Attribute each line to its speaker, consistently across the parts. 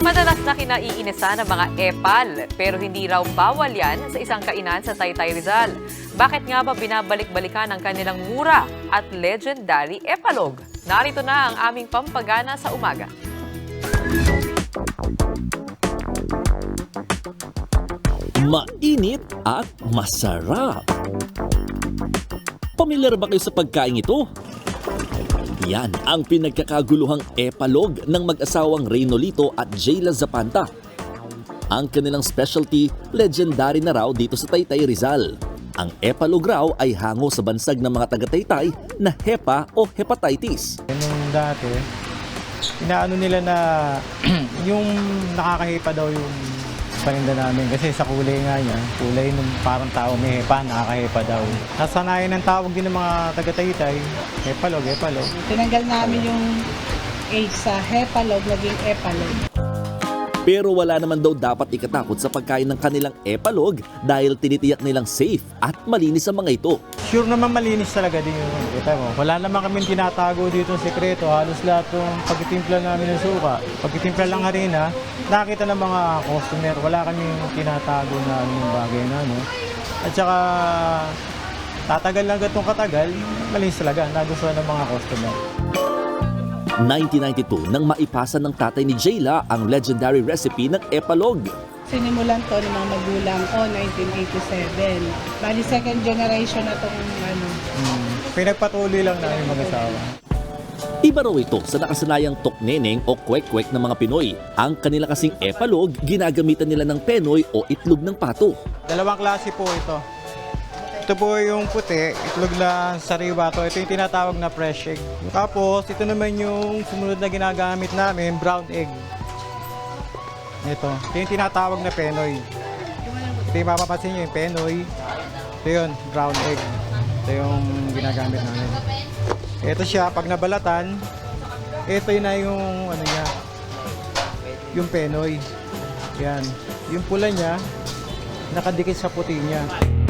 Speaker 1: Madalas na kinaiinisan ng mga epal, pero hindi raw bawal yan sa isang kainan sa Taytay Rizal. Bakit nga ba binabalik-balikan ang kanilang mura at legendary epalog? Narito na ang aming pampagana sa umaga.
Speaker 2: Mainit at masarap. Pamilyar ba kayo sa pagkain ito? Yan ang pinagkakaguluhang epalog ng mag-asawang Reynolito at Jayla Zapanta. Ang kanilang specialty, legendary na raw dito sa Taytay Rizal. Ang epalog raw ay hango sa bansag ng mga taga-Taytay na hepa o hepatitis.
Speaker 3: Nung dati, inaano nila na yung nakakahipa daw yung paninda namin kasi sa kulay nga niya, kulay ng parang tao may hepa, nakakahepa daw. Nasanayan ng tawag din ng mga taga-Taytay, hepalog, hepalog.
Speaker 4: Tinanggal namin yung H sa hepalog, naging epalog.
Speaker 2: Pero wala naman daw dapat ikatakot sa pagkain ng kanilang epalog dahil tinitiyak nilang safe at malinis ang mga ito.
Speaker 3: Sure naman malinis talaga din yung kita mo. Wala naman kami tinatago dito ng sekreto. Halos lahat ng pagtitimpla namin ng suka, pagtitimpla lang harina, nakita ng mga customer. Wala kami tinatago na anong bagay na ano. At saka tatagal lang gatong katagal, malinis talaga. Nagustuhan ng mga customer.
Speaker 2: 1992 nang maipasa ng tatay ni Jayla ang legendary recipe ng epalog.
Speaker 4: Sinimulan to ng mga magulang ko, 1987. Bali, second generation na itong ano.
Speaker 3: Pinagpatuloy lang namin mag-asawa.
Speaker 2: Iba raw ito sa nakasanayang tokneneng o kwek-kwek ng mga Pinoy. Ang kanila kasing epalog, ginagamitan nila ng penoy o itlog ng pato.
Speaker 3: Dalawang klase po ito. Ito po yung puti, itlog na sariwa to. Ito yung tinatawag na fresh egg. Tapos, ito naman yung sumunod na ginagamit namin, brown egg. Ito yung tinatawag na penoy. Ito yung mapapansin nyo yung penoy. Ito yun, brown egg. Ito yung ginagamit namin. Ito siya, pag nabalatan, ito yun na yung ano niya, yung penoy. Yan. Yung pula niya, nakadikit sa puti niya.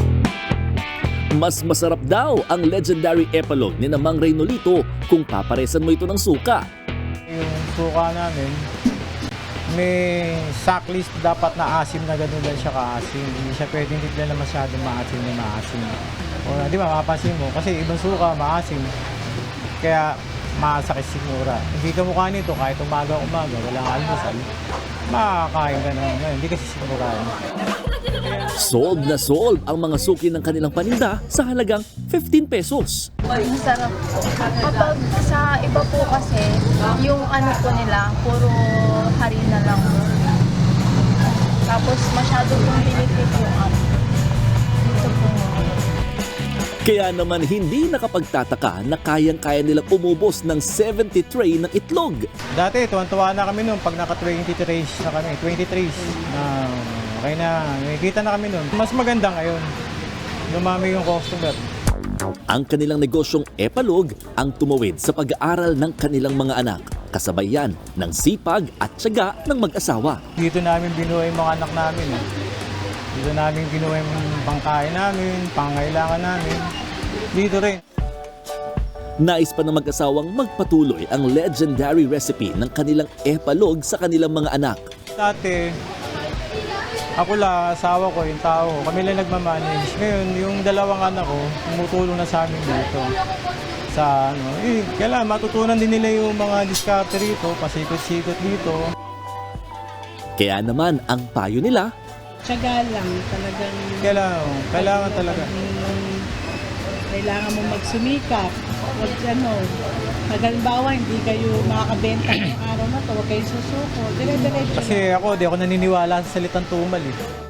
Speaker 2: Mas masarap daw ang legendary epalog ni Mang Reynolito kung paparesan mo ito ng suka.
Speaker 3: Yung suka namin, may sacklist dapat na asim na gano'n lang siya kaasim. Hindi siya pwedeng bigla na masyadong maasim na maasim. O, di ba, mapapansin mo, kasi ibang suka maasim. Kaya masakit sigura. Hindi ka mukha nito kahit umaga-umaga, walang almusal, makakain ka na ngayon. Hindi kasi sigurado.
Speaker 2: Sold na sold ang mga suki ng kanilang paninda sa halagang 15 pesos.
Speaker 5: Masarap po. Kapag sa iba po kasi, yung ano po nila, puro harina lang. Tapos masyado pong binitip yung ano. Dito po.
Speaker 2: Kaya naman hindi nakapagtataka na kayang-kaya nilang umubos ng 70 tray ng itlog.
Speaker 3: Dati, tuwan-tuwa na kami noon pag naka 20 trays na kami, 20 trays. Okay na, nakikita na kami noon. Mas maganda ngayon. Lumami yung customer.
Speaker 2: Ang kanilang negosyong epalog ang tumawid sa pag-aaral ng kanilang mga anak. Kasabay yan ng sipag at tiyaga ng mag-asawa.
Speaker 3: Dito namin binuhay yung mga anak namin. Dito namin binuhay yung pangkain namin, pangailangan namin. Dito rin.
Speaker 2: Nais pa ng mag-asawang magpatuloy ang legendary recipe ng kanilang epalog sa kanilang mga anak.
Speaker 3: Dati, ako lang, asawa ko, yung tao ko, kami lang nagmamanage. Ngayon, yung dalawang anak ko, tumutulong na sa amin dito. Sa ano, kailangan matutunan din nila yung mga diskarte rito, pasikot-sikot dito.
Speaker 2: Kaya naman, ang payo nila,
Speaker 4: Tiyaga lang, talagang...
Speaker 3: Kailangan talaga.
Speaker 4: Kailangan mo magsumikap. Huwag ano, halimbawa, hindi kayo makakabenta ng araw na to, huwag kayo susuko. Dire-diretso.
Speaker 3: Kasi ako, di ako naniniwala sa salitang tumal eh.